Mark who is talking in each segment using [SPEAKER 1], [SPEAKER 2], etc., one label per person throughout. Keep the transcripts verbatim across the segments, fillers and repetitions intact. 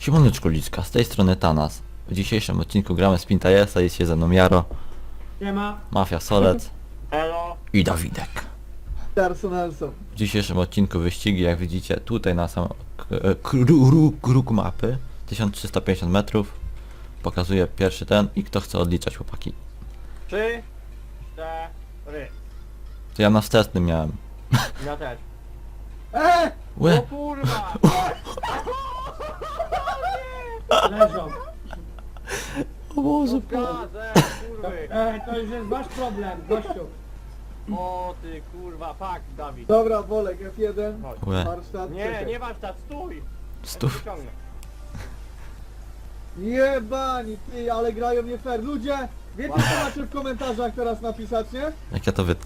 [SPEAKER 1] Siemaneczko Liczka, z tej strony Tanas. W dzisiejszym odcinku gramy z Pintajesa, jest się ze mną Jaro,
[SPEAKER 2] Siema.
[SPEAKER 1] Mafia Solec
[SPEAKER 3] Elo.
[SPEAKER 1] i Dawidek.
[SPEAKER 2] Personalson.
[SPEAKER 1] W dzisiejszym odcinku wyścigi, jak widzicie, tutaj na sam kruk, kruk mapy, tysiąc trzysta pięćdziesiąt metrów. Pokazuję pierwszy ten i kto chce odliczać, chłopaki.
[SPEAKER 3] Trzy, cztery.
[SPEAKER 1] To ja na wstecznym miałem.
[SPEAKER 3] Ja też.
[SPEAKER 2] Eee!
[SPEAKER 3] O
[SPEAKER 1] Łe!
[SPEAKER 3] kurwa!
[SPEAKER 2] Leżą.
[SPEAKER 1] O Boże,
[SPEAKER 3] Gazem, kurwy!
[SPEAKER 2] Ej, to już jest wasz problem, gościu.
[SPEAKER 3] O ty kurwa, fuck Dawid.
[SPEAKER 2] Dobra, Wolek, F jeden.
[SPEAKER 3] Chodź.
[SPEAKER 1] Łe.
[SPEAKER 2] Warsztat.
[SPEAKER 3] Nie,
[SPEAKER 2] czekaj.
[SPEAKER 3] nie warsztat, stój! Ja cię
[SPEAKER 1] Stów.
[SPEAKER 3] wyciągnę.
[SPEAKER 2] Jebani, ty, ale grają nie fair. Ludzie, wiecie co macie w komentarzach teraz napisać, nie?
[SPEAKER 1] Jak ja to wytnę.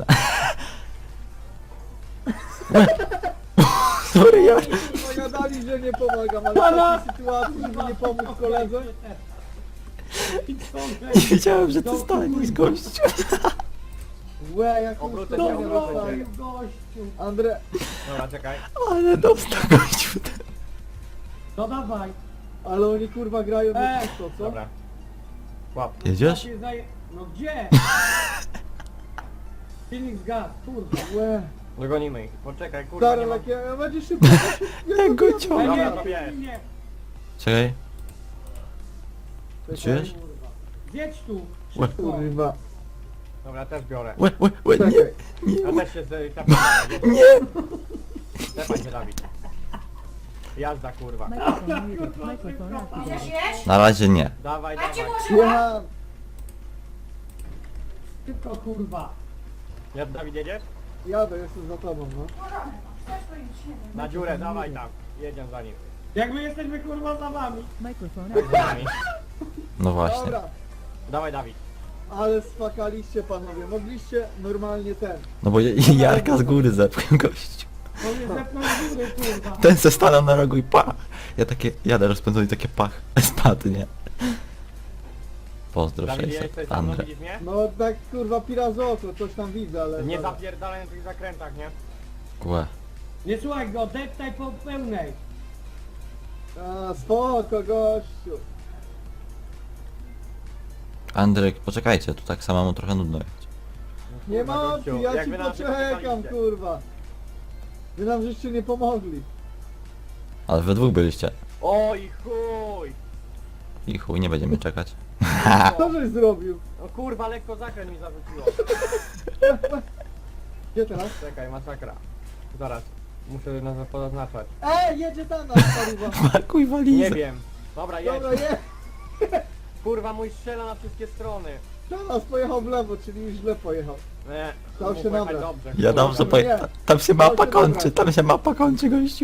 [SPEAKER 1] Sorry, ja...
[SPEAKER 2] Pogadali, że nie pomagam, ale w takiej sytuacji, żeby nie pomóc koledze.
[SPEAKER 1] Nie wiedziałem, że to stanie z gościu.
[SPEAKER 2] Łe, jak
[SPEAKER 3] Obrócę
[SPEAKER 2] to
[SPEAKER 3] się, obrócę się.
[SPEAKER 2] gościu. Andre,
[SPEAKER 3] Dobra, czekaj.
[SPEAKER 1] Ale dostał gościu.
[SPEAKER 4] No dawaj.
[SPEAKER 2] ale oni kurwa grają nie
[SPEAKER 4] Ej.
[SPEAKER 2] czysto, co?
[SPEAKER 3] Dobra. Łap.
[SPEAKER 1] Jedziesz?
[SPEAKER 4] Się zaje... No gdzie? Silnik zgasł, kurwa.
[SPEAKER 2] Łe.
[SPEAKER 3] Dogonimy ich. Poczekaj, kurwa,
[SPEAKER 2] Stary,
[SPEAKER 3] nie mam...
[SPEAKER 2] jak ja, będzie szybko.
[SPEAKER 1] Jak go
[SPEAKER 4] Ej,
[SPEAKER 1] ciągnie.
[SPEAKER 3] Dobra,
[SPEAKER 4] nie,
[SPEAKER 3] to wiesz.
[SPEAKER 4] nie,
[SPEAKER 1] Czekaj.
[SPEAKER 2] Czekaj,
[SPEAKER 1] Czujesz?
[SPEAKER 4] kurwa. Zjedź tu.
[SPEAKER 1] Łe.
[SPEAKER 4] Szybko.
[SPEAKER 2] Kurwa.
[SPEAKER 3] Dobra, też biorę.
[SPEAKER 1] Łe, łe, łe, nie,
[SPEAKER 2] Czekaj.
[SPEAKER 3] Ja też się z... tepam.
[SPEAKER 1] nie.
[SPEAKER 3] Tepaj się, Dawid. Jazda, kurwa.
[SPEAKER 5] Microphone muted. Microphone activated.
[SPEAKER 1] Na razie nie.
[SPEAKER 3] Dawaj, dawaj.
[SPEAKER 2] Jechałem.
[SPEAKER 4] Szybko, kurwa.
[SPEAKER 3] Ja, Dawid, jedziesz?
[SPEAKER 2] Jadę, jestem za tobą, no.
[SPEAKER 3] Na dziurę, dawaj tam. Jedziemy za nim.
[SPEAKER 4] Jak my jesteśmy, kurwa, za wami.
[SPEAKER 5] Microphone
[SPEAKER 3] Za
[SPEAKER 5] activated.
[SPEAKER 3] nami.
[SPEAKER 1] No właśnie.
[SPEAKER 2] Dobra,
[SPEAKER 3] Dawaj, Dawid.
[SPEAKER 2] ale spakaliście panowie, mogliście normalnie ten.
[SPEAKER 1] No bo Jarka z góry zepchł gościu.
[SPEAKER 4] On mnie zepnął z góry, kurwa.
[SPEAKER 1] Ten se stanął na rogu i pach. Ja takie, jadę rozpędzony i takie pach. Spadł, nie? Pozdro
[SPEAKER 3] Dawid,
[SPEAKER 1] sześćset,
[SPEAKER 3] jesteś tam, no
[SPEAKER 1] Andre.
[SPEAKER 3] widzisz mnie?
[SPEAKER 2] No tak kurwa pirazoto, coś tam widzę, ale...
[SPEAKER 3] Nie
[SPEAKER 2] dobra.
[SPEAKER 3] zapierdalaj na tych zakrętach, nie?
[SPEAKER 1] Łe.
[SPEAKER 4] Nie słuchaj go, deptaj po pełnej.
[SPEAKER 2] A, spoko gościu.
[SPEAKER 1] Andrzej, poczekajcie, tu tak samemu trochę nudno jechać.
[SPEAKER 2] Nie
[SPEAKER 3] Kurwa,
[SPEAKER 2] ma
[SPEAKER 3] gościu,
[SPEAKER 2] opcji, ja
[SPEAKER 3] jak
[SPEAKER 2] ci
[SPEAKER 3] wy nam
[SPEAKER 2] poczekam
[SPEAKER 3] poczekaliście.
[SPEAKER 2] kurwa. Wy nam żeście nie pomogli.
[SPEAKER 1] Ale we dwóch byliście.
[SPEAKER 3] Oj chuj!
[SPEAKER 1] I chuj, nie będziemy czekać.
[SPEAKER 2] Co żeś zrobił?
[SPEAKER 3] No kurwa, lekko zakręt mi zarzuciło.
[SPEAKER 2] Gdzie teraz?
[SPEAKER 3] Czekaj, masakra. Zaraz. Muszę nas pozaznaczać.
[SPEAKER 2] Ej, jedzie tam nas kurwa.
[SPEAKER 1] Pakuj
[SPEAKER 3] Nie
[SPEAKER 1] walizę.
[SPEAKER 3] wiem. Dobra, jedź.
[SPEAKER 2] Dobra, je.
[SPEAKER 3] Kurwa, mój strzela na wszystkie strony.
[SPEAKER 2] Teraz pojechał w lewo, czyli już źle pojechał.
[SPEAKER 3] Nie.
[SPEAKER 2] Dał
[SPEAKER 3] mógł
[SPEAKER 2] się
[SPEAKER 3] pojechać
[SPEAKER 2] nabrać.
[SPEAKER 3] dobrze.
[SPEAKER 1] Ja
[SPEAKER 3] Kurwa,
[SPEAKER 1] dobrze
[SPEAKER 2] nie.
[SPEAKER 1] pojechałem. Tam się
[SPEAKER 2] Dał
[SPEAKER 1] mapa
[SPEAKER 2] się
[SPEAKER 1] kończy,
[SPEAKER 2] nabrać.
[SPEAKER 1] tam się mapa kończy, gościu.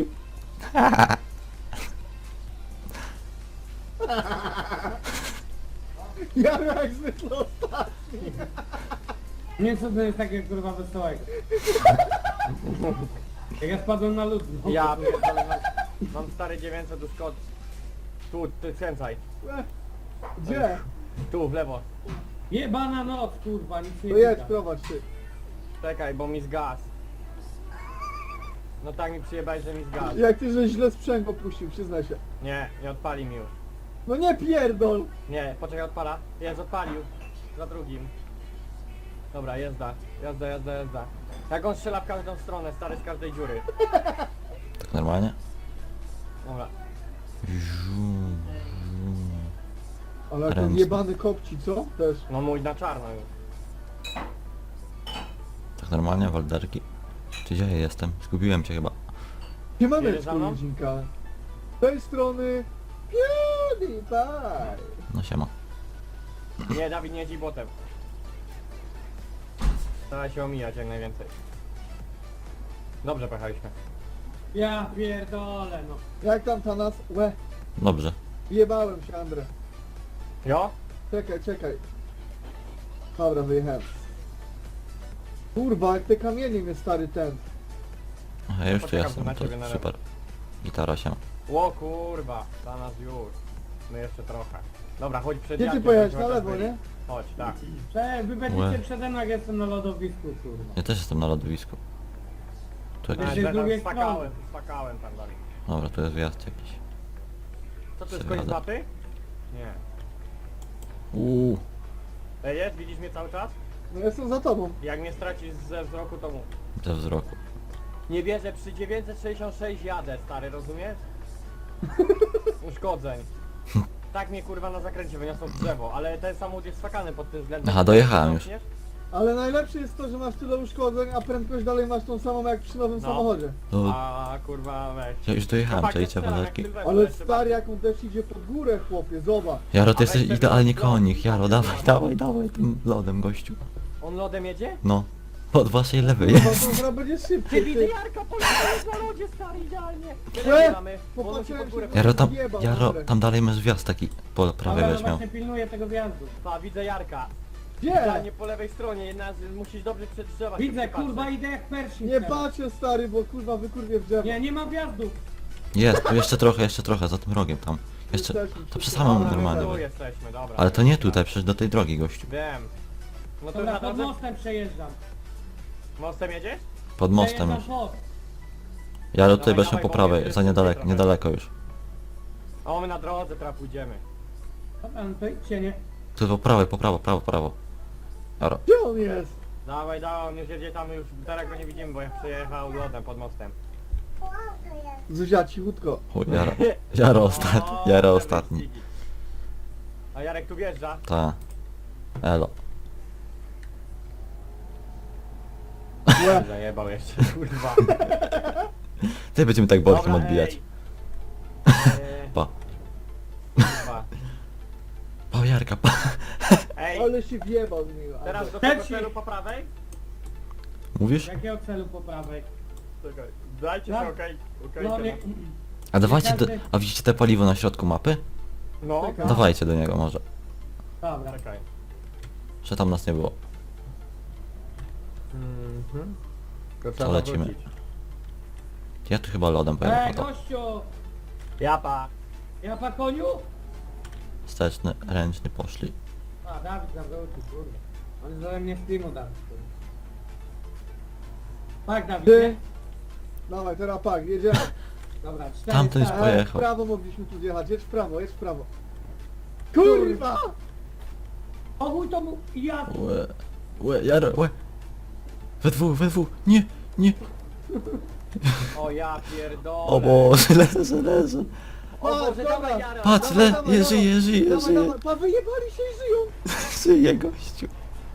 [SPEAKER 2] Ja jak zwykle ostatni.
[SPEAKER 4] Nie, co to jest takie, kurwa, wesołego. Jak ja spadłem na lód. No.
[SPEAKER 3] Ja pierdolę, mam, mam stary dziewięćset do Scott. Tu, ty skręcaj.
[SPEAKER 2] Gdzie?
[SPEAKER 3] Tu, w lewo.
[SPEAKER 4] Jebana noc, kurwa, nic nie
[SPEAKER 2] To jedź,
[SPEAKER 4] widać.
[SPEAKER 2] prowadź ty.
[SPEAKER 3] Czekaj, bo mi zgas. No tak mi przyjebałeś, że mi zgas.
[SPEAKER 2] Jak ty żeś źle sprzęg opuścił, przyznaj się.
[SPEAKER 3] Nie, nie odpali mi już.
[SPEAKER 2] No nie pierdol.
[SPEAKER 3] Nie, poczekaj, odpala. Jest, odpalił. Za drugim. Dobra, jazda. Jazda, jazda, jazda. Jak on strzela w każdą stronę, stary z każdej dziury.
[SPEAKER 1] Tak normalnie?
[SPEAKER 3] Dobra.
[SPEAKER 2] Ale jak ten
[SPEAKER 1] Ręczny.
[SPEAKER 2] jebany kopci, co? Też.
[SPEAKER 3] No mój na czarno już.
[SPEAKER 1] Tak normalnie, Walderki. Czy gdzie ja jestem? Zgubiłem cię chyba.
[SPEAKER 2] Nie mamy
[SPEAKER 3] Jedziesz za mną?
[SPEAKER 2] ludzinka. Z tej strony... PewDiePie.
[SPEAKER 1] No siema.
[SPEAKER 3] Nie, Dawid, nie jedź botem. Staraj się omijać jak najwięcej. Dobrze pojechaliśmy.
[SPEAKER 4] Ja pierdolę, no.
[SPEAKER 2] Jak tam ta nas? Łe,
[SPEAKER 1] Dobrze.
[SPEAKER 2] jebałem się, Andre.
[SPEAKER 3] Jo?
[SPEAKER 2] Czekaj, czekaj. Dobra, wyjechałem. Kurwa, jak te kamienie mnie stary ten.
[SPEAKER 1] Aha, ja już tu
[SPEAKER 3] Poczekam
[SPEAKER 1] jestem,
[SPEAKER 3] tu na
[SPEAKER 1] to
[SPEAKER 3] ciebie na lewo.
[SPEAKER 1] super. Gitara się.
[SPEAKER 3] O kurwa, dla nas już. My jeszcze trochę. Dobra, chodź przed
[SPEAKER 2] Gdzie ty
[SPEAKER 3] Jackiem,
[SPEAKER 2] pojechałeś?
[SPEAKER 3] żebyśmy
[SPEAKER 2] Na
[SPEAKER 3] też
[SPEAKER 2] lewo,
[SPEAKER 3] byli.
[SPEAKER 2] nie?
[SPEAKER 3] Chodź, tak.
[SPEAKER 4] Prze, wy
[SPEAKER 1] Łe.
[SPEAKER 4] będziecie przede mną, jak jestem na lodowisku, kurwa.
[SPEAKER 1] Ja też jestem na lądowisku. Tu
[SPEAKER 4] Jeszcze
[SPEAKER 1] jakiś...
[SPEAKER 4] z drugiej
[SPEAKER 3] spakałem, spakałem tam dalej.
[SPEAKER 1] Dobra, tu jest wjazd jakiś.
[SPEAKER 3] Co Co to jest koniec
[SPEAKER 1] Przejadę.
[SPEAKER 3] mapy? Nie.
[SPEAKER 1] Uuu,
[SPEAKER 3] Ej, jest? Widzisz mnie cały czas?
[SPEAKER 2] No jestem za tobą.
[SPEAKER 3] Jak mnie stracisz ze wzroku, to mów.
[SPEAKER 1] ze wzroku.
[SPEAKER 3] Nie wierzę, przy dziewięćset sześćdziesiąt sześć jadę, stary, rozumiesz? Uszkodzeń. Tak mnie kurwa na zakręcie wyniosło w drzewo, ale ten samochód jest skakany pod tym względem.
[SPEAKER 1] Aha, dojechałem już.
[SPEAKER 3] Zamkniesz?
[SPEAKER 2] Ale najlepsze jest to, że masz tyle uszkodzeń, a prędkość dalej masz tą samą jak przy nowym
[SPEAKER 3] No.
[SPEAKER 2] samochodzie.
[SPEAKER 1] No,
[SPEAKER 3] A kurwa weź.
[SPEAKER 1] ja już dojechałem,
[SPEAKER 3] Chłopaki,
[SPEAKER 1] czajcie
[SPEAKER 3] strzelam, jak
[SPEAKER 1] balerki.
[SPEAKER 3] Sylwester,
[SPEAKER 2] Ale
[SPEAKER 3] jeszcze
[SPEAKER 2] stary,
[SPEAKER 3] bardziej.
[SPEAKER 2] jak on też idzie pod górę, chłopie, zobacz.
[SPEAKER 1] Jaro, ty
[SPEAKER 3] A
[SPEAKER 1] jesteś
[SPEAKER 3] weź sobie
[SPEAKER 1] idealnie
[SPEAKER 3] lodem.
[SPEAKER 1] konik, Jaro, dawaj, dawaj, dawaj tym lodem, gościu.
[SPEAKER 3] On lodem jedzie?
[SPEAKER 1] No, od waszej lewej
[SPEAKER 2] Chyba
[SPEAKER 1] jest.
[SPEAKER 2] to gra będzie
[SPEAKER 3] Ty
[SPEAKER 2] szybciej,
[SPEAKER 3] widzę
[SPEAKER 2] ty.
[SPEAKER 3] Jarka, Polaka jest na lodzie, stary, idealnie.
[SPEAKER 2] Łe,
[SPEAKER 3] Tyle mamy, bo on musi
[SPEAKER 2] popatrzyłem
[SPEAKER 3] pod górę.
[SPEAKER 2] się-
[SPEAKER 1] Jaro, tam,
[SPEAKER 2] Jebał,
[SPEAKER 1] Jaro,
[SPEAKER 2] Andrzej.
[SPEAKER 1] tam dalej masz wjazd taki po prawej
[SPEAKER 4] Dobra, no
[SPEAKER 1] będziesz miał.
[SPEAKER 4] właśnie pilnuję tego wjazdu.
[SPEAKER 3] Pa, widzę Jarka.
[SPEAKER 2] Gdzie?
[SPEAKER 3] Idealnie po lewej stronie, jedna z, musisz dobrze przed drzewa się
[SPEAKER 4] Widzę,
[SPEAKER 3] przypatrzeć.
[SPEAKER 4] kurwa, idę jak Pershing
[SPEAKER 2] Nie
[SPEAKER 4] teraz.
[SPEAKER 2] patrzę, stary, bo kurwa wykurwię w drzewo.
[SPEAKER 4] Nie, nie ma wjazdu.
[SPEAKER 1] Jest, tu jeszcze trochę, jeszcze trochę, za tym rogiem tam. Jeszcze,
[SPEAKER 2] Jesteśmy
[SPEAKER 1] to przy
[SPEAKER 2] przy-
[SPEAKER 1] samym
[SPEAKER 3] Dobra, my
[SPEAKER 1] normalnym.
[SPEAKER 3] tu jesteśmy, dobra.
[SPEAKER 1] Ale to nie tutaj, przecież do tej drogi, gościu.
[SPEAKER 3] Wiem. No to
[SPEAKER 4] Dobra,
[SPEAKER 3] na
[SPEAKER 4] pod
[SPEAKER 3] drodze...
[SPEAKER 4] mostem przejeżdżam.
[SPEAKER 3] Mostem jedziesz?
[SPEAKER 1] Pod mostem już.
[SPEAKER 4] Przejeżdżam pod.
[SPEAKER 1] Jaro, tutaj
[SPEAKER 3] Dawaj,
[SPEAKER 1] będziemy
[SPEAKER 3] dawaj,
[SPEAKER 1] po
[SPEAKER 3] bo
[SPEAKER 1] prawej,
[SPEAKER 3] mnie
[SPEAKER 1] za
[SPEAKER 3] jest
[SPEAKER 1] niedaleko,
[SPEAKER 3] trochę.
[SPEAKER 1] niedaleko już.
[SPEAKER 3] O, my na drodze teraz pójdziemy.
[SPEAKER 4] Dobra, no to idźcie, nie?
[SPEAKER 1] Tu po prawej, po prawo, prawo, prawo. Jaro.
[SPEAKER 2] Gdzie on jest?
[SPEAKER 3] Dawaj, dawaj, on już jedzie tam, już teraz go nie widzimy, bo ja przejechał lodem pod mostem.
[SPEAKER 2] Zuzia, cichutko.
[SPEAKER 1] Chuj, Jaro. Jaro ostatni,
[SPEAKER 3] O,
[SPEAKER 1] Jaro
[SPEAKER 3] te
[SPEAKER 1] ostatni.
[SPEAKER 3] wyścigi. A Jarek tu wjeżdża.
[SPEAKER 1] Ta. Elo.
[SPEAKER 2] Łe.
[SPEAKER 3] Zajebał jeszcze, kurwa.
[SPEAKER 1] Ty będziemy tak bokiem
[SPEAKER 3] Dobra,
[SPEAKER 1] odbijać.
[SPEAKER 3] ej. Eee,
[SPEAKER 1] Pa.
[SPEAKER 3] kurwa.
[SPEAKER 1] Pa, Jarka, pa.
[SPEAKER 3] Ej,
[SPEAKER 2] Ale się wjebał z niego.
[SPEAKER 3] teraz do
[SPEAKER 4] Ten
[SPEAKER 3] tego
[SPEAKER 4] się-
[SPEAKER 3] celu po prawej?
[SPEAKER 1] Mówisz?
[SPEAKER 4] Jakiego celu po prawej?
[SPEAKER 3] Czekaj, dajcie się,
[SPEAKER 4] Tak.
[SPEAKER 3] okej, okej.
[SPEAKER 4] No
[SPEAKER 3] okay,
[SPEAKER 4] nie...
[SPEAKER 1] A dawajcie, do,
[SPEAKER 4] każdy-
[SPEAKER 1] a widzicie te paliwo na środku mapy?
[SPEAKER 3] No,
[SPEAKER 2] Czekaj.
[SPEAKER 1] Dawajcie do niego może.
[SPEAKER 4] Dobra.
[SPEAKER 3] czekaj.
[SPEAKER 1] Że tam nas nie było.
[SPEAKER 3] Mhm. To
[SPEAKER 1] To
[SPEAKER 3] trzeba
[SPEAKER 1] lecimy.
[SPEAKER 3] wrócić.
[SPEAKER 1] Ja tu chyba lodem pojadę
[SPEAKER 4] Ej,
[SPEAKER 1] po to.
[SPEAKER 4] gościu!
[SPEAKER 3] Japa.
[SPEAKER 4] Ja pa koniu?
[SPEAKER 1] Wsteczny, ręczny poszli.
[SPEAKER 4] A, Dawid nam wrócił, kurwa. On jest ode mnie z teamu, Dawid, kurwa. Tak, Dawid,
[SPEAKER 2] Ty.
[SPEAKER 4] nie?
[SPEAKER 2] Dawaj, teraz pak, jedziemy.
[SPEAKER 4] Dobra, cztery
[SPEAKER 1] Tamten jest
[SPEAKER 4] stare.
[SPEAKER 2] E, w
[SPEAKER 1] pojechał.
[SPEAKER 2] prawo mogliśmy tu zjechać, jedź w prawo, jedź w prawo. Kurwa!
[SPEAKER 4] O chuj to mu... Ja...
[SPEAKER 1] Łe, łe, Jaro, łe. We dwóch, we dwóch. Nie, nie.
[SPEAKER 3] O ja pierdolę.
[SPEAKER 1] O Boże, leżę, leżę.
[SPEAKER 3] O Boże,
[SPEAKER 2] Patrz,
[SPEAKER 3] dawaj
[SPEAKER 2] dobra.
[SPEAKER 3] Jaro.
[SPEAKER 1] Patrz,
[SPEAKER 2] Dawaj,
[SPEAKER 1] le,
[SPEAKER 2] dawaj,
[SPEAKER 1] je
[SPEAKER 2] dawaj.
[SPEAKER 1] żyje, żyje,
[SPEAKER 2] Dawaj,
[SPEAKER 1] żyje.
[SPEAKER 2] dawaj, pa, wyjebali się i żyją!
[SPEAKER 1] Żyje, gościu.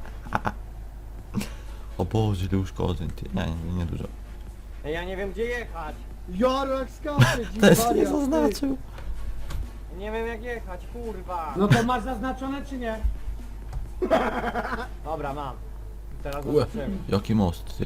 [SPEAKER 1] O Boże, ile uszkodzeń, ty. Nie, nie, nie dużo.
[SPEAKER 3] Ej, ja nie wiem gdzie jechać.
[SPEAKER 2] Jaro jak skacze, dziś
[SPEAKER 1] Też nie
[SPEAKER 2] wariat, ty.
[SPEAKER 1] zaznaczył.
[SPEAKER 3] Nie wiem jak jechać, kurwa.
[SPEAKER 4] No to masz zaznaczone czy nie?
[SPEAKER 3] Dobra, mam. Teraz
[SPEAKER 1] Łe,
[SPEAKER 3] zobaczymy.
[SPEAKER 1] jaki most, ty.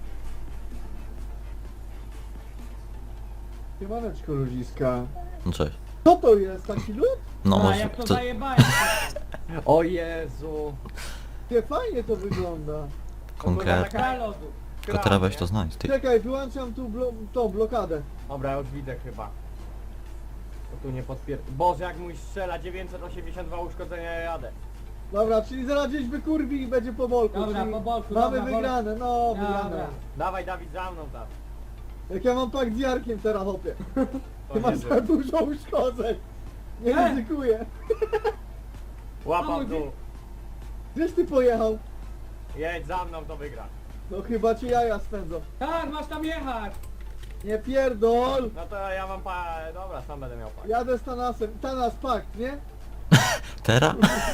[SPEAKER 2] Siemaneczko, ludziska.
[SPEAKER 1] No cześć.
[SPEAKER 2] Co to jest, taki lód?
[SPEAKER 1] No
[SPEAKER 4] A,
[SPEAKER 1] może,
[SPEAKER 4] jak to
[SPEAKER 1] co,
[SPEAKER 4] zajebałem.
[SPEAKER 3] O Jezu.
[SPEAKER 2] Nie, fajnie to wygląda.
[SPEAKER 1] konkret.
[SPEAKER 4] Taka lodu.
[SPEAKER 1] Tylko teraz weź to znajdź, ty.
[SPEAKER 2] Czekaj, wyłączam tu blo tą blokadę.
[SPEAKER 3] Dobra, już widzę chyba. To tu nie podpier... Boże, jak mój strzela dziewięćset osiemdziesiąt dwa uszkodzenia, ja jadę.
[SPEAKER 2] Dobra, czyli zaraz gdzieś wykurwi i będzie po bolku.
[SPEAKER 4] Dobra,
[SPEAKER 2] czyli
[SPEAKER 4] po bolku,
[SPEAKER 2] mamy
[SPEAKER 4] dobra,
[SPEAKER 2] wygrane, no wygrane.
[SPEAKER 4] Dobra.
[SPEAKER 3] Dawaj Dawid za mną tam.
[SPEAKER 2] Jak ja mam pak z Jarkiem teraz, hopie.
[SPEAKER 3] To
[SPEAKER 2] Ty masz
[SPEAKER 3] niezłe.
[SPEAKER 2] za dużo uszkodzeń. Nie
[SPEAKER 4] E!
[SPEAKER 2] ryzykuję.
[SPEAKER 3] Łapa w dół.
[SPEAKER 2] Gdzieś ty pojechał?
[SPEAKER 3] Jedź za mną, to wygra.
[SPEAKER 2] No chyba cię jaja spędzą.
[SPEAKER 4] Tak, masz tam jechać.
[SPEAKER 2] Nie pierdol!
[SPEAKER 3] No to ja mam pa... Dobra, sam będę miał pak.
[SPEAKER 2] Jadę z Tanasem. Tanas pakt, nie?
[SPEAKER 1] Teraz?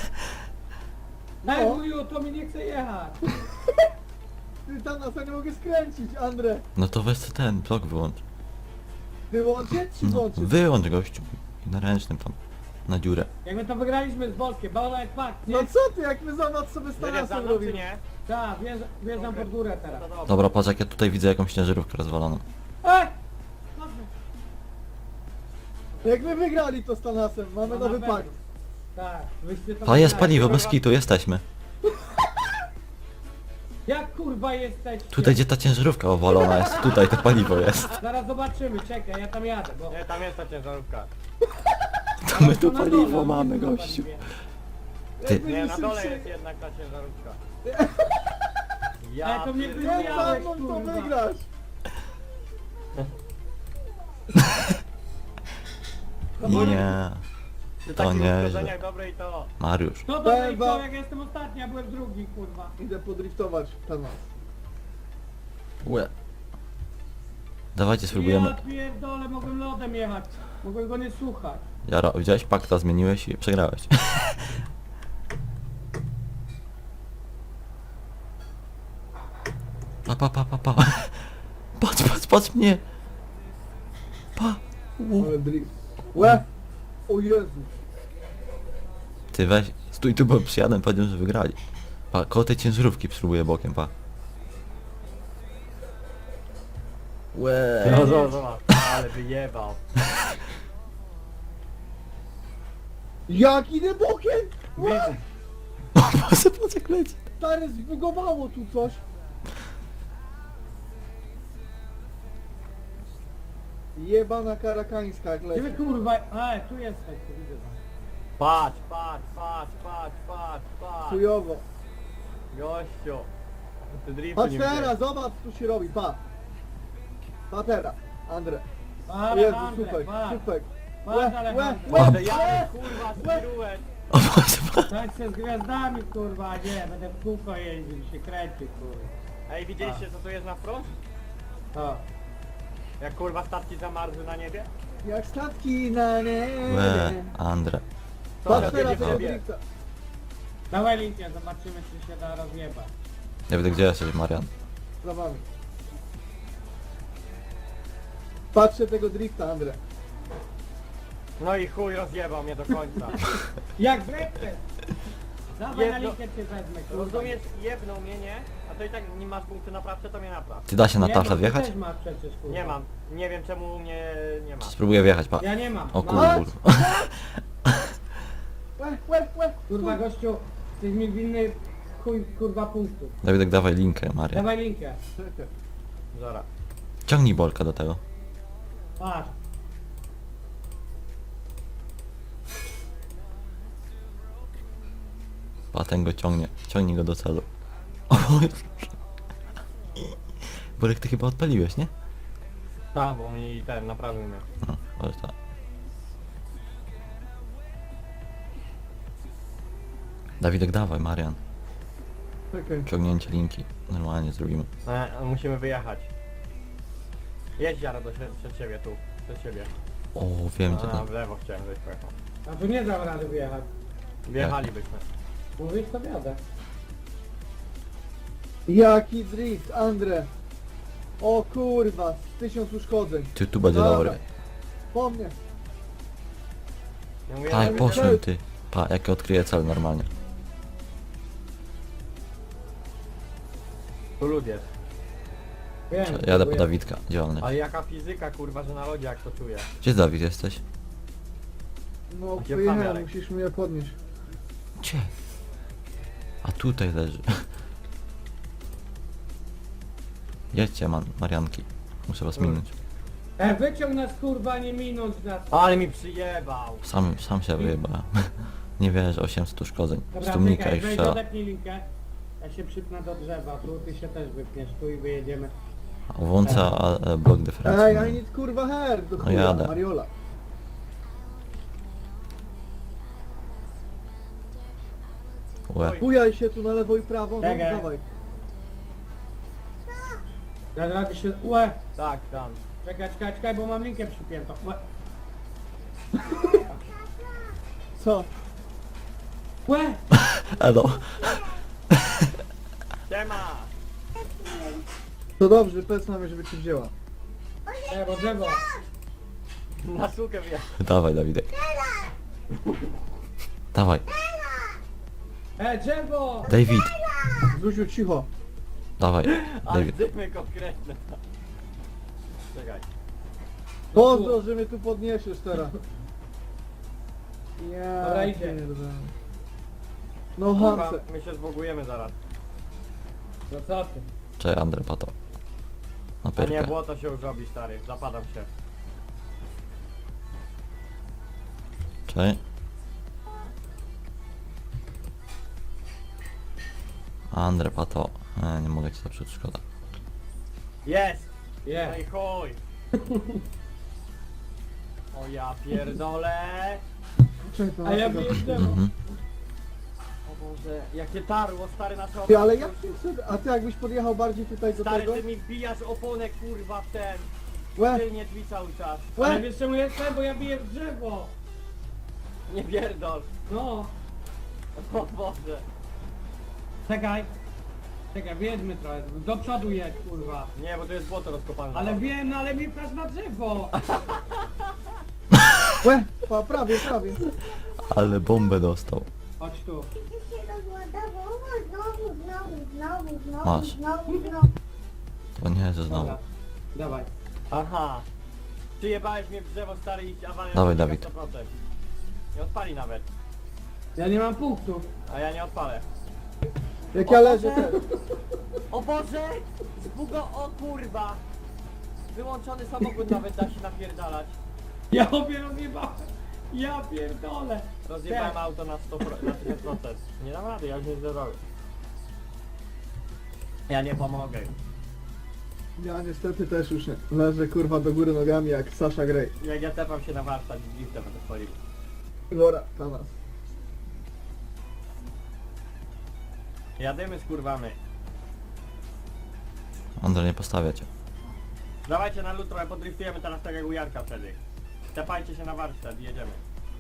[SPEAKER 4] Daj
[SPEAKER 2] No.
[SPEAKER 4] chuju, to mi nie chce jechać.
[SPEAKER 2] Ty Tanasa nie mogę skręcić, Andre.
[SPEAKER 1] No to weź sobie ten blok wyłącz.
[SPEAKER 2] Wyłączyć czy
[SPEAKER 1] No,
[SPEAKER 2] włączyć?
[SPEAKER 1] wyłącz, gościu. I na ręcznym tam. Na dziurę.
[SPEAKER 4] Jak my to wygraliśmy z Bolkiem, Bola jak fakt, nie?
[SPEAKER 2] No co ty, jak my zobacz sobie z
[SPEAKER 3] Jedziesz za
[SPEAKER 2] Tanasem
[SPEAKER 3] mną czy
[SPEAKER 2] robimy.
[SPEAKER 3] nie?
[SPEAKER 4] Tak, wjeżdżam, wjeżdżam pod górę teraz.
[SPEAKER 3] To dobra.
[SPEAKER 1] Dobra, patrz jak ja tutaj widzę jakąś ciężarówkę rozwaloną.
[SPEAKER 4] Ej!
[SPEAKER 2] Jak my wygrali to z Tanasem, mamy
[SPEAKER 4] No,
[SPEAKER 2] nowy
[SPEAKER 4] na pewno.
[SPEAKER 2] pakt.
[SPEAKER 4] Tak, wyście to
[SPEAKER 1] A jest
[SPEAKER 4] wygrali.
[SPEAKER 1] paliwo, bez kitu, jesteśmy.
[SPEAKER 4] Jak kurwa jesteście?
[SPEAKER 1] Tutaj gdzie ta ciężarówka owalona jest, tutaj to paliwo jest.
[SPEAKER 4] Zaraz zobaczymy, czekaj, ja tam jadę, bo...
[SPEAKER 3] Nie, tam jest ta ciężarówka.
[SPEAKER 1] To my tu
[SPEAKER 4] na dole,
[SPEAKER 1] paliwo
[SPEAKER 4] on
[SPEAKER 1] mamy,
[SPEAKER 4] jest na
[SPEAKER 1] gościu.
[SPEAKER 4] paliwie.
[SPEAKER 1] Ty.
[SPEAKER 2] Jak
[SPEAKER 3] Nie,
[SPEAKER 2] będzie
[SPEAKER 3] na dole
[SPEAKER 2] szybciej-
[SPEAKER 3] jest jednak ta ciężarówka.
[SPEAKER 4] Ej,
[SPEAKER 3] Ja
[SPEAKER 4] to mnie
[SPEAKER 3] pierdolę.
[SPEAKER 2] Jak
[SPEAKER 4] wyjechałeś,
[SPEAKER 2] za mną to
[SPEAKER 4] kurwa.
[SPEAKER 2] wygrasz?
[SPEAKER 1] Nie,
[SPEAKER 3] Przy
[SPEAKER 1] To
[SPEAKER 3] takich
[SPEAKER 1] nieźle.
[SPEAKER 3] uszkodzeniach dobre i to.
[SPEAKER 1] Mariusz.
[SPEAKER 4] Kto to
[SPEAKER 2] Beba.
[SPEAKER 4] driftował, jak ja jestem ostatni, ja byłem drugi, kurwa.
[SPEAKER 2] Idę podriftować ten was.
[SPEAKER 1] Łe. Dawajcie, spróbujemy.
[SPEAKER 4] Ja pierdolę, mogłem lodem jechać. Mogłem go nie słuchać.
[SPEAKER 1] Jaro, widziałeś pakta, zmieniłeś i przegrałeś. Pa, pa, pa, pa, pa. Patrz, patrz, patrz mnie. Pa. U.
[SPEAKER 2] Ale drift. Łe! O Jezu.
[SPEAKER 1] Ty weź, stój tu, bo przyjadę, powiedziałem, że wygrali. Pa, koło tej ciężarówki spróbuję bokiem, pa. Łe.
[SPEAKER 3] No zobacz, zobacz. Ale wyjebał.
[SPEAKER 2] Jak idę bokiem? Łe!
[SPEAKER 3] Widzę.
[SPEAKER 1] O Boże, patrz jak leci.
[SPEAKER 2] Stary, zbugowało tu coś. Jebana karakańska jak
[SPEAKER 4] Gdzie wy
[SPEAKER 2] leci.
[SPEAKER 4] kurwa... A, tu jesteś, tu widzę was.
[SPEAKER 3] Patrz, patrz, patrz, patrz, patrz, patrz.
[SPEAKER 2] Chujowo.
[SPEAKER 3] Gościu. Ty driftu
[SPEAKER 2] Patrz
[SPEAKER 3] nie
[SPEAKER 2] teraz,
[SPEAKER 3] widziałeś.
[SPEAKER 2] zobacz co się robi, pa. Pa teraz, Andre. O
[SPEAKER 4] Ale
[SPEAKER 2] Jezu,
[SPEAKER 4] Andrzej,
[SPEAKER 2] supek,
[SPEAKER 4] patrz.
[SPEAKER 2] supek.
[SPEAKER 4] Patrz,
[SPEAKER 2] Łe, łe,
[SPEAKER 4] Alejandro.
[SPEAKER 2] łe,
[SPEAKER 3] Ale ja
[SPEAKER 2] łe.
[SPEAKER 3] kurwa spirułeś.
[SPEAKER 1] O Boże, pa.
[SPEAKER 4] Tak się z gwiazdami, kurwa, a nie, będę w kółko jeździł, się kręcił, kurwa.
[SPEAKER 3] Ej, widzieliście co tu jest na front?
[SPEAKER 4] O.
[SPEAKER 3] Jak kurwa statki zamarzły na niebie?
[SPEAKER 2] Jak statki na niebie.
[SPEAKER 1] Łe, Andre.
[SPEAKER 3] To
[SPEAKER 2] Patrz
[SPEAKER 3] jedzie
[SPEAKER 2] teraz
[SPEAKER 3] w
[SPEAKER 2] tego
[SPEAKER 3] niebie.
[SPEAKER 2] drifta.
[SPEAKER 4] Dawaj linkę, zobaczymy czy się da rozjebać.
[SPEAKER 1] Nie wiem, gdzie jesteś, Marian.
[SPEAKER 2] Za wami. Patrzę tego drifta, Andre.
[SPEAKER 3] No i chuj rozjebał mnie do końca.
[SPEAKER 4] Jak breakfast! Dawaj na
[SPEAKER 3] Jedno-
[SPEAKER 4] linkę cię wezmę, kurwa.
[SPEAKER 3] Rozumiesz, jebnął mnie, nie? A to i tak nie masz punkty naprawcze, to mnie napraw.
[SPEAKER 1] Ty da się na
[SPEAKER 4] Nie
[SPEAKER 1] tafle
[SPEAKER 4] mam, ty
[SPEAKER 1] wjechać?
[SPEAKER 4] też masz przecież, kurwa.
[SPEAKER 3] Nie mam. Nie wiem czemu mnie nie ma.
[SPEAKER 1] Spróbuję wjechać, pa.
[SPEAKER 4] Ja nie mam.
[SPEAKER 1] O
[SPEAKER 4] Mam.
[SPEAKER 1] kurwa.
[SPEAKER 2] Łe, łe, łe.
[SPEAKER 4] Kurwa gościu, jesteś mi winny chuj kurwa punktów.
[SPEAKER 1] Dawidek, dawaj linkę, Marian.
[SPEAKER 4] Dawaj linkę.
[SPEAKER 2] Czekaj.
[SPEAKER 3] Zara.
[SPEAKER 1] Ciągnij Bolka do tego.
[SPEAKER 4] Patrz.
[SPEAKER 1] Pa, ten go ciągnie. Ciągnij go do celu. O Boże. Bolek, ty chyba odpaliłeś, nie?
[SPEAKER 3] Tak, bo mi ten naprawił mnie.
[SPEAKER 1] No, może tak. Dawidek, dawaj, Marian.
[SPEAKER 2] Czekaj.
[SPEAKER 1] Ciągnięcie linki. Normalnie zrobimy.
[SPEAKER 3] E, musimy wyjechać. Jedź Jara do sie- przed siebie tu. Przed siebie.
[SPEAKER 1] O, wiem gdzie
[SPEAKER 3] A,
[SPEAKER 1] tam.
[SPEAKER 3] w lewo chciałem żeś pojechał.
[SPEAKER 4] A tu nie dam rady wyjechać.
[SPEAKER 3] Wjechalibyśmy.
[SPEAKER 4] Mówisz to wiadę.
[SPEAKER 2] Jaki drift, Andre. O kurwa, z tysiąc uszkodzeń.
[SPEAKER 1] Ty, tu będzie
[SPEAKER 2] Dobra.
[SPEAKER 1] dobry.
[SPEAKER 2] Po mnie.
[SPEAKER 3] Ja mówię,
[SPEAKER 1] Tak,
[SPEAKER 3] że-
[SPEAKER 1] poszłem ty. Pa, jak odkryję cel normalnie.
[SPEAKER 3] Tu lud jest.
[SPEAKER 4] Wiem.
[SPEAKER 1] Jadę po
[SPEAKER 4] próbuję.
[SPEAKER 1] Dawidka, działalny.
[SPEAKER 3] Ale jaka fizyka kurwa, że na lodzie jak to czuję.
[SPEAKER 1] Gdzie Dawid jesteś?
[SPEAKER 2] No
[SPEAKER 3] Gdzie
[SPEAKER 2] pojechałem,
[SPEAKER 3] Fabiarek?
[SPEAKER 2] musisz mnie podnieść.
[SPEAKER 1] Gdzie? A tutaj leży. Jedźcie, man, Marianki. Muszę was minąć.
[SPEAKER 4] E, wyciąg nas kurwa, nie minąć nas.
[SPEAKER 3] Ale mi przyjebał.
[SPEAKER 1] Sam, sam się wyjebałem. Nie wierzę, osiemset uszkodzeń.
[SPEAKER 4] Dobra,
[SPEAKER 1] Stumnika
[SPEAKER 4] czekaj,
[SPEAKER 1] i
[SPEAKER 4] weź
[SPEAKER 1] strzela.
[SPEAKER 4] odepnij linkę. Ja się przypnę do drzewa, tu ty się też wypniesz, tu i wyjedziemy.
[SPEAKER 1] Włącza a, e, blok
[SPEAKER 2] Ej, I
[SPEAKER 1] dyferencyjny.
[SPEAKER 2] need kurwa hair, do
[SPEAKER 1] No
[SPEAKER 2] chuja,
[SPEAKER 1] jadę.
[SPEAKER 2] Mariola.
[SPEAKER 1] Łe.
[SPEAKER 2] Bujaj się tu na lewo i prawo, no
[SPEAKER 4] Czekaj.
[SPEAKER 2] dawaj.
[SPEAKER 4] Ja rady się... Łe!
[SPEAKER 3] Tak, tam.
[SPEAKER 4] Czekaj, czekaj, czekaj, bo mam linkę przypiętą. Łe!
[SPEAKER 2] Co?
[SPEAKER 4] Łe!
[SPEAKER 1] Elo.
[SPEAKER 3] Siema!
[SPEAKER 2] To dobrze, powiedz mamie, żeby cię wzięła.
[SPEAKER 4] E, bo drzewo.
[SPEAKER 3] Na sukę wjechał.
[SPEAKER 1] Dawaj, Dawidek. Dawaj.
[SPEAKER 4] E, drzewo!
[SPEAKER 1] David.
[SPEAKER 2] Zuziu, cicho.
[SPEAKER 1] Dawaj.
[SPEAKER 3] Ale
[SPEAKER 1] David.
[SPEAKER 3] dymy konkretne. Czekaj.
[SPEAKER 2] Pozdro, że mnie tu podniesiesz teraz. Ja
[SPEAKER 4] Dobra, idzie.
[SPEAKER 2] pierdolę. No
[SPEAKER 3] Kurwa,
[SPEAKER 2] Hanse.
[SPEAKER 3] my się zbogujemy zaraz.
[SPEAKER 4] No co ty?
[SPEAKER 1] Cześć, Andre, pato. Na
[SPEAKER 3] A nie,
[SPEAKER 1] pyrkę.
[SPEAKER 3] błoto się już robi stary. Zapadam się.
[SPEAKER 1] Cześć. Andre, pato. E, nie mogę ci zepsuć, szkoda.
[SPEAKER 3] Jest! No
[SPEAKER 4] Je.
[SPEAKER 3] i chuj! O ja pierdolę.
[SPEAKER 2] Czekaj, to
[SPEAKER 4] A ja
[SPEAKER 2] na
[SPEAKER 4] wiem, że...
[SPEAKER 1] Mhm.
[SPEAKER 3] O Boże, jakie tarło, stary nasze
[SPEAKER 2] Ty,
[SPEAKER 3] opony.
[SPEAKER 2] ale jak ty sobie... A ty jakbyś podjechał bardziej tutaj do
[SPEAKER 3] Stary,
[SPEAKER 2] tego?
[SPEAKER 3] ty mi wbijasz oponę kurwa w ten.
[SPEAKER 2] Łe,
[SPEAKER 3] Tylnie drzwi cały czas.
[SPEAKER 4] Ale
[SPEAKER 2] łe!
[SPEAKER 4] wiesz czemu jestem? Bo ja biję w drzewo.
[SPEAKER 3] Nie pierdol.
[SPEAKER 4] No.
[SPEAKER 3] O Boże.
[SPEAKER 4] Czekaj. Czekaj, wyjedźmy trochę. Do przodu jedź, kurwa.
[SPEAKER 3] Nie, bo to jest błoto rozkopane.
[SPEAKER 4] Ale wiem, no ale mi pchasz na drzewo.
[SPEAKER 2] Łe! Pa, prawie, prawie.
[SPEAKER 1] Ale bombę dostał.
[SPEAKER 4] Chodź tu.
[SPEAKER 1] Masz. To nie, że znowu.
[SPEAKER 4] Dobra. Dawaj.
[SPEAKER 3] Aha. Ty jebałeś mnie w drzewo, stary, i awaria.
[SPEAKER 1] Dawaj,
[SPEAKER 3] na
[SPEAKER 1] Dawid.
[SPEAKER 3] sto procent. Nie odpali nawet.
[SPEAKER 4] Ja nie mam punktów.
[SPEAKER 3] A ja nie odpalę.
[SPEAKER 2] Jak ja leżę też.
[SPEAKER 3] O Boże! Zbugo, o kurwa! Wyłączony samochód nawet da się napierdalać.
[SPEAKER 4] Ja obie rozjebałem. Ja pierdolę.
[SPEAKER 3] Rozjebałem auto na sto procent, na tysiąc procent. Nie dam rady, ja już nie zrobię. Ja nie pomogę.
[SPEAKER 2] Ja niestety też już nie. Leżę kurwa do góry nogami jak Sasha Grey.
[SPEAKER 3] Jak ja tepam się na warsztat i driftem będę wchodził.
[SPEAKER 2] Dobra, na nas.
[SPEAKER 3] Jadymy z kurwami.
[SPEAKER 1] Andrzej, nie postawia cię.
[SPEAKER 3] Dawajcie na lutro, a podriftujemy teraz tak jak u Jarka wtedy. Tepajcie się na warsztat i jedziemy.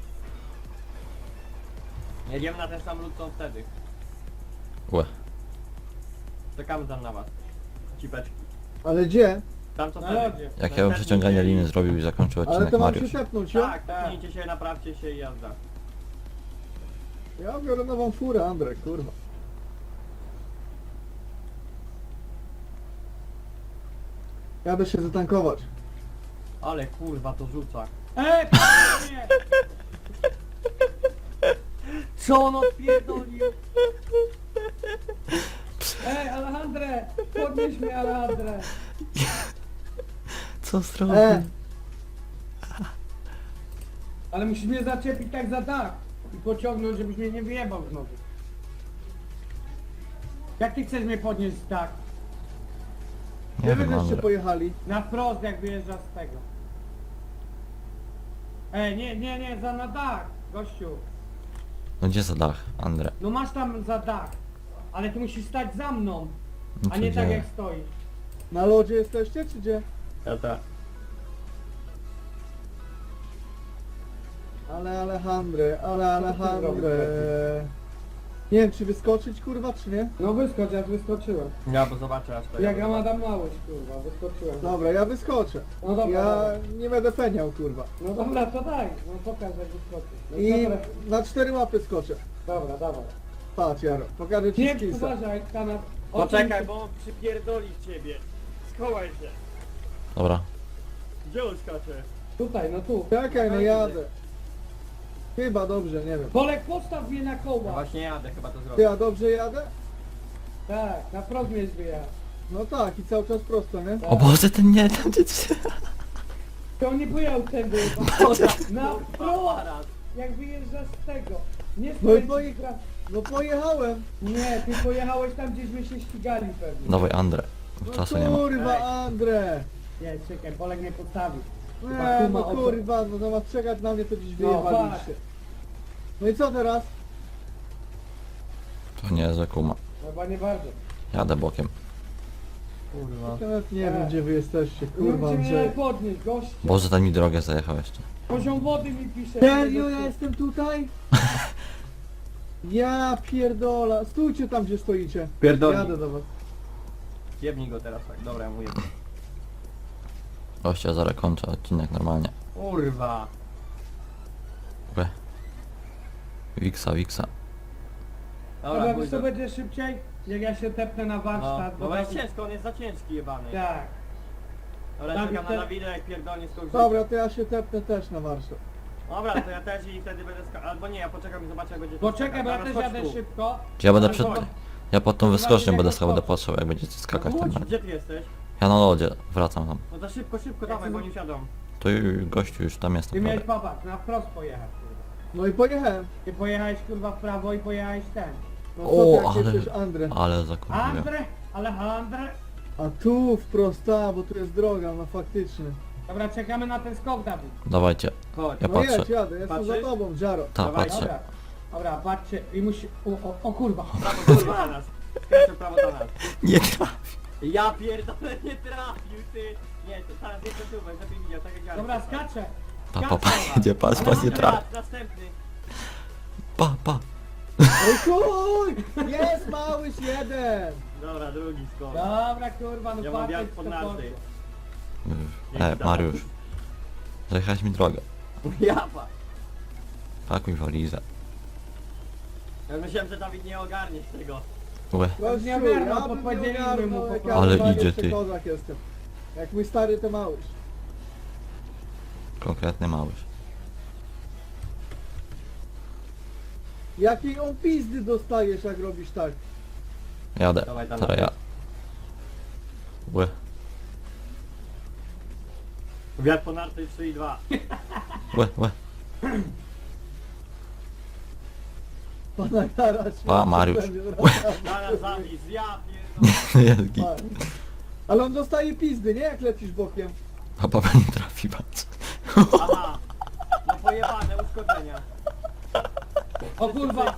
[SPEAKER 3] Jedziemy na ten sam lód co wtedy.
[SPEAKER 1] Łe.
[SPEAKER 3] Czekamy tam na was. Cipeczki.
[SPEAKER 2] Ale gdzie?
[SPEAKER 3] Tam co
[SPEAKER 4] Na
[SPEAKER 3] wtedy.
[SPEAKER 4] lodzie.
[SPEAKER 1] Jak ja bym przeciąganie liny zrobił i zakończył
[SPEAKER 2] Ale
[SPEAKER 1] odcinek
[SPEAKER 2] to mam się
[SPEAKER 1] Mariusz.
[SPEAKER 2] tepnąć, jo?
[SPEAKER 3] Tak, tepnijcie się, naprawcie się i jazda.
[SPEAKER 2] Ja biorę nową furę, Andrzej, kurwa. Jadę się zatankować.
[SPEAKER 3] Ale kurwa to rzuca.
[SPEAKER 4] Ej, patrz mnie!
[SPEAKER 3] Co on odpierdolił?
[SPEAKER 4] Ej, Alejandre! Podnieś mnie, Alejandre!
[SPEAKER 1] Co zrobił?
[SPEAKER 2] E,
[SPEAKER 4] Ale musisz mnie zaczepić tak za dach i pociągnąć, żebyś mnie nie wyjebał znowu. Jak ty chcesz mnie podnieść z dach?
[SPEAKER 1] Nie
[SPEAKER 2] gdzie wy
[SPEAKER 1] wiem,
[SPEAKER 2] żeście
[SPEAKER 1] Andrzej.
[SPEAKER 2] pojechali?
[SPEAKER 4] Na wprost, jak wyjeżdżasz z tego. Ej, nie, nie, nie, za na dach, gościu.
[SPEAKER 1] No gdzie za dach, Andrzej?
[SPEAKER 4] No masz tam za dach, ale ty musisz stać za mną,
[SPEAKER 1] No
[SPEAKER 4] a
[SPEAKER 1] co
[SPEAKER 4] nie tak
[SPEAKER 1] dzieje?
[SPEAKER 4] jak stoisz.
[SPEAKER 2] Na lodzie jesteście, czy gdzie?
[SPEAKER 3] Ja tak.
[SPEAKER 2] Ale Alejandre, ale Alejandre. Nie wiem, czy wyskoczyć, kurwa, czy nie?
[SPEAKER 4] No wyskocz, ja wyskoczyłem.
[SPEAKER 3] Ja bo zobaczę aż to.
[SPEAKER 4] Jak ja Adam Małość, kurwa, wyskoczyłem.
[SPEAKER 2] Dobra, ja wyskoczę.
[SPEAKER 4] No dobra,
[SPEAKER 2] Ja
[SPEAKER 4] dobra.
[SPEAKER 2] nie będę peniał, kurwa.
[SPEAKER 4] No dobra, to daj, no pokaż jak wyskoczysz. No
[SPEAKER 2] I
[SPEAKER 4] dobra,
[SPEAKER 2] na cztery łapy skoczę.
[SPEAKER 4] dobra, dawaj.
[SPEAKER 2] Patrz, Jaro, pokażę ci
[SPEAKER 4] Nie,
[SPEAKER 2] skillsa.
[SPEAKER 4] uważaj, kanap.
[SPEAKER 3] Poczekaj, bo on przypierdoli w ciebie. Schowaj się.
[SPEAKER 1] Dobra.
[SPEAKER 3] Gdzie on skacze?
[SPEAKER 4] Tutaj, no tu.
[SPEAKER 2] Czekaj, no jadę. Chyba dobrze, nie wiem.
[SPEAKER 4] Bolek, postaw mnie na
[SPEAKER 3] No
[SPEAKER 4] koła.
[SPEAKER 3] właśnie jadę, chyba to
[SPEAKER 2] Ty,
[SPEAKER 3] zrobię.
[SPEAKER 2] a dobrze jadę?
[SPEAKER 4] Tak, na wprost mnie zwyjechał.
[SPEAKER 2] No tak, i cały czas prosto, nie?
[SPEAKER 1] O Boże, ten nie, ten nie...
[SPEAKER 4] To on nie pojechał tędy. Na wprost,
[SPEAKER 3] Aparat.
[SPEAKER 4] jak wyjeżdżasz z tego. Nie
[SPEAKER 2] No i
[SPEAKER 4] skręcisz
[SPEAKER 2] poje-
[SPEAKER 4] pra-
[SPEAKER 2] No pojechałem.
[SPEAKER 4] Nie, ty pojechałeś tam, gdzieśmy się ścigali pewnie.
[SPEAKER 1] Dawaj, Andrzej.
[SPEAKER 2] No
[SPEAKER 1] Czasu nie ma.
[SPEAKER 2] kurwa,
[SPEAKER 3] Ej.
[SPEAKER 2] Andrze.
[SPEAKER 4] Nie, czekaj, Bolek mnie postawił. Chyba
[SPEAKER 2] Nie,
[SPEAKER 4] kuma
[SPEAKER 2] no
[SPEAKER 4] oko-
[SPEAKER 2] kurwa, no zamiast czekać na mnie, to dziś
[SPEAKER 4] No,
[SPEAKER 2] wyjechaliście. No i co teraz?
[SPEAKER 1] To nie, że kuma.
[SPEAKER 4] Chyba nie bardzo.
[SPEAKER 1] Jadę bokiem.
[SPEAKER 3] Kurwa.
[SPEAKER 2] Ja nawet nie
[SPEAKER 4] Tak.
[SPEAKER 2] wiem, gdzie wy jesteście,
[SPEAKER 4] Nie
[SPEAKER 2] kurwa,
[SPEAKER 4] wiem, czy mnie
[SPEAKER 2] Andrzej.
[SPEAKER 4] podnieść, goście.
[SPEAKER 1] Boże, ten mi drogę zajechał jeszcze.
[SPEAKER 4] Poziom wody mi pisze.
[SPEAKER 2] Serio, ja jestem tutaj? Ja pierdola. Stójcie tam, gdzie stoicie.
[SPEAKER 3] Pierdoli.
[SPEAKER 2] Jadę do was.
[SPEAKER 3] Jebnij go teraz tak, dobra, ja mu jebnę.
[SPEAKER 1] Gościa, zaraz kończę odcinek normalnie.
[SPEAKER 3] Kurwa.
[SPEAKER 1] Łe. Wiksa, wiksa.
[SPEAKER 3] Dobra,
[SPEAKER 4] Dobra,
[SPEAKER 3] chuj,
[SPEAKER 4] wiesz co
[SPEAKER 3] do-
[SPEAKER 4] będzie szybciej? Jak ja się tepnę na
[SPEAKER 3] No,
[SPEAKER 4] warsztat.
[SPEAKER 3] no bo jest
[SPEAKER 4] tam-
[SPEAKER 3] ciężko, on jest za ciężki jebany.
[SPEAKER 4] Tak.
[SPEAKER 3] Dobra,
[SPEAKER 4] Dawid,
[SPEAKER 3] czekam
[SPEAKER 4] te-
[SPEAKER 3] na Dawida jak pierdolnie skończy.
[SPEAKER 2] Dobra, to ja się tepnę też na warsztat.
[SPEAKER 3] Dobra, to ja też i wtedy będę ska... Albo nie, ja poczekam i zobaczę jak będzie...
[SPEAKER 4] Poczekaj, bo ja
[SPEAKER 3] Dobra,
[SPEAKER 4] też
[SPEAKER 3] chodź
[SPEAKER 4] jadę
[SPEAKER 3] tu.
[SPEAKER 4] szybko.
[SPEAKER 1] Ja będę
[SPEAKER 4] Ale
[SPEAKER 1] przed...
[SPEAKER 4] to-
[SPEAKER 1] Ja pod tą wyskocznią
[SPEAKER 4] jak
[SPEAKER 1] będę
[SPEAKER 4] to
[SPEAKER 1] stał, będę
[SPEAKER 4] skoczy.
[SPEAKER 1] patrzył, jak będziecie skakać
[SPEAKER 3] No
[SPEAKER 1] tam.
[SPEAKER 3] chodź, gdzie ty jesteś?
[SPEAKER 1] Ja na lodzie, wracam tam.
[SPEAKER 3] No to szybko, szybko, dawaj, bo nie siadą.
[SPEAKER 1] To już, gościu, już tam
[SPEAKER 4] Ty
[SPEAKER 1] jestem
[SPEAKER 4] miałeś
[SPEAKER 1] prawie.
[SPEAKER 4] popatrz, na wprost pojechać, kurwa.
[SPEAKER 2] No i pojechałem.
[SPEAKER 4] Ty pojechałeś kurwa w prawo i pojechałeś ten.
[SPEAKER 2] No co
[SPEAKER 1] O,
[SPEAKER 2] ty, jak
[SPEAKER 1] ale-
[SPEAKER 2] jesteś Andrę?
[SPEAKER 1] Ale zakurwiłem.
[SPEAKER 4] Andre, Alejandre.
[SPEAKER 2] A tu wprost, a, bo tu jest droga, no faktycznie.
[SPEAKER 4] Dobra, czekamy na ten skok, Dawid.
[SPEAKER 1] Dawajcie.
[SPEAKER 3] Chodź.
[SPEAKER 1] Ja
[SPEAKER 2] No
[SPEAKER 1] patrzę.
[SPEAKER 2] jedź, jadę, jestem
[SPEAKER 3] Patrzysz?
[SPEAKER 2] za tobą, Jaro.
[SPEAKER 1] Ta,
[SPEAKER 3] Dawaj,
[SPEAKER 1] patrzę.
[SPEAKER 4] Dobra, dobra, patrzcie i musi... O, o, o kurwa.
[SPEAKER 3] Prawo do nas. Skręcę prawo do nas.
[SPEAKER 1] Nie trafi.
[SPEAKER 3] Ja pierdolę, nie trafił, ty. Nie, to teraz nie przesuwaj, żeby widział, tak jak ja.
[SPEAKER 4] Dobra, skaczę.
[SPEAKER 1] Pa, pa, pa, jedzie, patrz, patrz, nie trafi.
[SPEAKER 3] Następny.
[SPEAKER 1] Pa, pa.
[SPEAKER 2] Oj chuj! Jest małyś jeden!
[SPEAKER 3] Dobra, drugi skok.
[SPEAKER 4] Dobra, kurwa, no
[SPEAKER 3] Ja mam
[SPEAKER 4] patrzcie,
[SPEAKER 3] wiatr pod
[SPEAKER 4] co
[SPEAKER 3] narty.
[SPEAKER 1] E, Mariusz. Zajechałeś mi drogę.
[SPEAKER 3] Japa.
[SPEAKER 1] Pakuj walizę.
[SPEAKER 3] Ja myślałem, że Dawid nie ogarnie tego.
[SPEAKER 1] Łe.
[SPEAKER 2] Gościu,
[SPEAKER 4] nie ogarnął,
[SPEAKER 2] ja
[SPEAKER 4] to
[SPEAKER 2] bym nie
[SPEAKER 4] podzielimy
[SPEAKER 2] ogarnął,
[SPEAKER 4] mu po
[SPEAKER 2] jak
[SPEAKER 4] prostu.
[SPEAKER 2] ja
[SPEAKER 1] Ale
[SPEAKER 2] normalnie
[SPEAKER 1] idzie,
[SPEAKER 2] jeszcze
[SPEAKER 1] ty.
[SPEAKER 2] kozak jestem. Jak mój stary to małyś.
[SPEAKER 1] Konkretny małyż.
[SPEAKER 2] Jakiej on pizdy dostajesz, jak robisz tak?
[SPEAKER 1] Jadę.
[SPEAKER 3] Dawaj tam
[SPEAKER 1] Teraz
[SPEAKER 3] na
[SPEAKER 1] ja. Łe.
[SPEAKER 3] Wiatr po narty trzy i dwa.
[SPEAKER 1] Łe, łe.
[SPEAKER 2] Pana garać.
[SPEAKER 1] Pa, Mariusz.
[SPEAKER 3] Zaraz zawis, ja pierdolę.
[SPEAKER 1] Jest git.
[SPEAKER 2] Ale on dostaje pizdy, nie? Jak lecisz bokiem.
[SPEAKER 1] A papa nie trafi, patrz.
[SPEAKER 3] Aha. No pojebane, uszkodzenia.
[SPEAKER 4] O kurwa.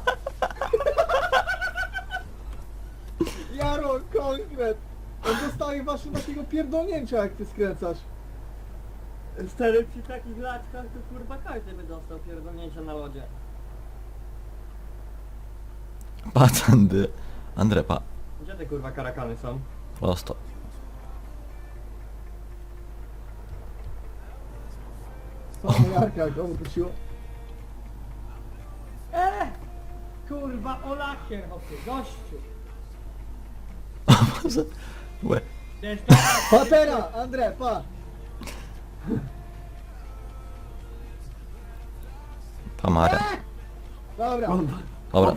[SPEAKER 2] Jaro, konkret. On dostaje właśnie takiego pierdolnięcia, jak ty skręcasz.
[SPEAKER 3] Stary, przy takich laczkach to kurwa każdy by dostał pierdolnięcia na lodzie.
[SPEAKER 1] Patrz, Andy. Andre, pa.
[SPEAKER 3] Gdzie te kurwa karakany są?
[SPEAKER 1] Prosto.
[SPEAKER 2] Samo Jarka, go wróciło.
[SPEAKER 4] E! Kurwa, o lakier, hopie, gościu.
[SPEAKER 1] Może. Łe.
[SPEAKER 4] Wiesz, to...
[SPEAKER 2] Patera, Andre, pa.
[SPEAKER 1] Pa, Maria.
[SPEAKER 2] Dobra.
[SPEAKER 1] Dobra.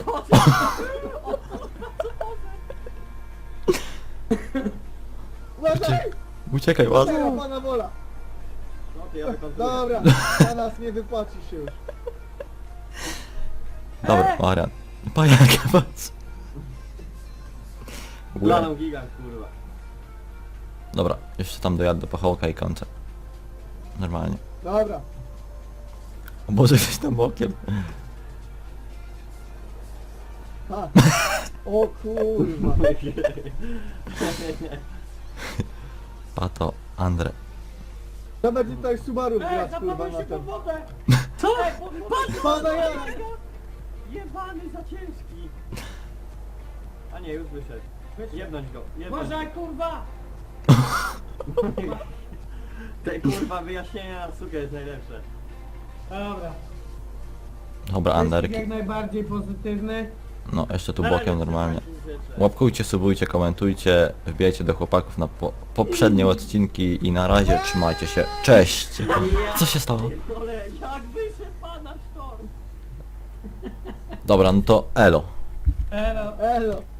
[SPEAKER 2] Uważaj!
[SPEAKER 1] Uciekaj, ładnie.
[SPEAKER 2] Patera, pana wola.
[SPEAKER 3] No ty, ja wykontruję.
[SPEAKER 2] Dobra, na nas nie wypłaci się już.
[SPEAKER 1] Dobra, Marian. Pa, jak patrz. Łe.
[SPEAKER 3] Planą gigant kurwa.
[SPEAKER 1] Dobra, jeszcze tam dojadę do pachołka i kończę. Normalnie.
[SPEAKER 2] Dobra.
[SPEAKER 1] O Boże, jesteś tam bokiem.
[SPEAKER 2] Ha. O kurwa.
[SPEAKER 1] Pa to, Andre.
[SPEAKER 2] To będzie tutaj Subaru
[SPEAKER 4] E,
[SPEAKER 2] grać, kurwa,
[SPEAKER 4] zapadłeś
[SPEAKER 2] na
[SPEAKER 4] się pod
[SPEAKER 2] tym.
[SPEAKER 4] wodę.
[SPEAKER 3] Co?
[SPEAKER 4] Ej, pod wodę.
[SPEAKER 2] Pana Jara!
[SPEAKER 3] Jebany za ciężki. A nie, już wyszedł. Jebnąć go, jebnąć
[SPEAKER 4] Może,
[SPEAKER 3] go.
[SPEAKER 4] kurwa.
[SPEAKER 3] Te kurwa wyjaśnienia na sukę jest najlepsze.
[SPEAKER 4] Dobra.
[SPEAKER 1] Dobra,
[SPEAKER 4] Wyścig
[SPEAKER 1] Anderki.
[SPEAKER 4] jak najbardziej pozytywny.
[SPEAKER 1] No, jeszcze tu
[SPEAKER 3] Na
[SPEAKER 1] bokiem
[SPEAKER 3] razie
[SPEAKER 1] normalnie.
[SPEAKER 3] trzymajcie się, cześć.
[SPEAKER 1] Łapkujcie, subujcie, komentujcie, wbijajcie do chłopaków na po poprzednie odcinki i na razie trzymajcie się. Cześć! Co się stało?
[SPEAKER 3] Pierdolę, jak wyszedł pana sztorm?
[SPEAKER 1] Dobra, no to elo.
[SPEAKER 4] Elo.
[SPEAKER 2] Elo.